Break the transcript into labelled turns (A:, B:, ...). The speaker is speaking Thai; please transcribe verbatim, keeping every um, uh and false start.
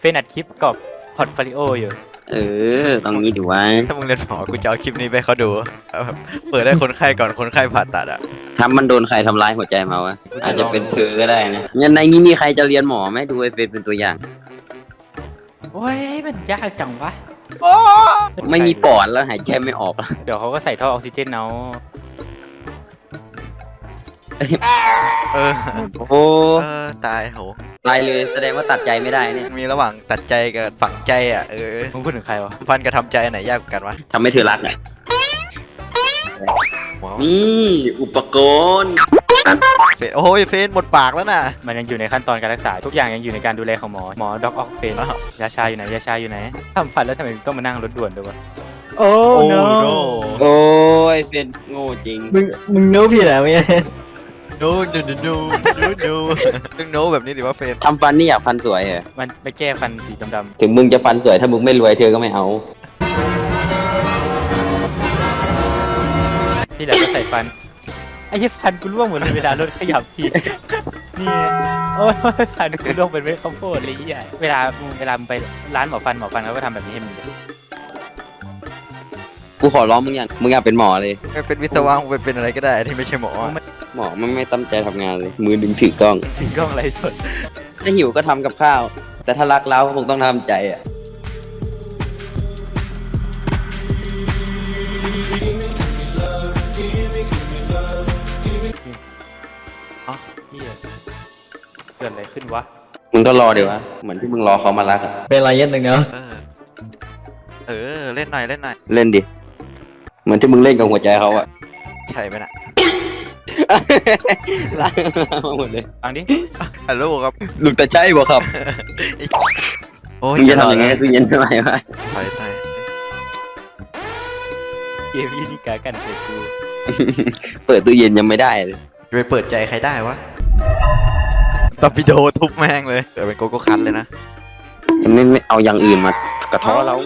A: นอัดคลิปกับพอร์ตโฟลิโออยู่
B: เออตรงนี้ดูว่า
C: ถ้ามึงเรียนหมอกูจะเอาคลิปนี้ไปเขาดูเอาแบบเปิดให้คนไข้ก่อนคนไข้ผ่าตัดอ่ะ
B: ถ้ามันโดนใครทำร้ายหัวใจมาวะอาจจะเป็นเธอก็ได้นะยันในนี้มีใครจะเรียนหมอไหมดูไอเฟนเป็นตัวอย่าง
A: โอ้ยมันยากจังวะ
B: ไม่มีปอดแล้วหายใจไม่ออกแล้ว
A: เดี๋ยวเขาก็ใส่ท่อออกซิเจนเอา
C: เออ
B: โอ้โห
C: เออตายโห
B: ตายเลยแสดงว่าตัดใจไม่ได้เนี่ย
C: มีระหว่างตัดใจกับฝังใจอ่ะเออ
A: มึงพูดถึงใครวะ
C: ฟันกับทำใจอันไหนยากกว่ากันวะ
B: ทำให้เธอรักอ่ะ
C: หมอ
B: นี่อุปกรณ์
C: เฟนโอ้ยเฟนหมดปากแล้วน่ะ
A: มันยังอยู่ในขั้นตอนการรักษาทุกอย่างยังอยู่ในการดูแลของหมอหมอด็อกออกเฟน
C: อ้าว
A: ยาชาอยู่ไหนยาชาอยู่ไหนทำฟันแล้วทำไมต้องมานั่งรถด่วนด้วยวะโอ้
C: โอ้
A: no
C: โน
B: โอ้ยเป็นโง่จริง
D: มึงมึงโน้ผิดแล้วเนี่ย
C: โนโนโนโนโนโนต้องโนแบบนี้ดิว่าเฟน
B: ทำฟันนี่อยากฟันสวยเหรอ
A: มันไปแก้ฟันสีดำ
B: ถึงมึงจะฟันสวยถ้ามึงไม่รวยเธอก็ไม่เอา
A: ๆที่เหลือก็ใส่ฟันไอ้ยี่ฟันกูร่วงหมดเลยเวลารถขยับทีนี่โอ้ยฟันกูร่วงเป็นเม็ดข้าวโพดเลยอ่ะเวลามึงเวลามึงไปร้านหมอฟันหมอฟันเขาก็ทำแบบนี้ให้มึง
B: กูขอร้องมึงอย่างมึงอยากเป็นหมอเลย
C: ไม่เป็นวิศวะไปเป็นอะไรก็ได้ที่ไม่ใช่หมออะ
B: หมอมันไม่ตั้งใจทำงานเลย มือดึงถือกล้อง
A: ถึงกล้องไรสด
B: ถ้าหิวก็ทำกับข้าว แต่ถ้ารักเราคงต้องทำใจอ่ะ
A: เฮียเกิดอะไรขึ้นวะ
B: มึงก็รอเดี๋ยววะเหมือนที่มึงรอเขามารักอะ
D: เป็นอะไรเย็ดหนึ่งเนาะ
C: เออเออเล่นหน่อยเล่นหน่อย
B: เล่นดิ เหมือนที่มึงเล่นกับหัวใจเขาอะ
C: ใช่ไหมน่ะ
B: ลากมาหมดเลย
A: ฟังดิ
C: ฮัลโหลครับ
B: ลูกตาใช่บ่ครับ
C: โอ้ย
B: มึงจะทำยังไงกับตู้เย็นทำไมวะ
C: ถอยใต้
A: เกมยี่นี่กากันเปิดกู
B: เปิดตู้เย็นยังไม่ได้เลย
C: จะไปเปิดใจใครได้วะตอร์ปิโดทุบแม่งเลยเกิดเป็นโกโก้คันเลยนะ
B: ไม่ไม่เอาอย่างอื่นมากระท้อเรา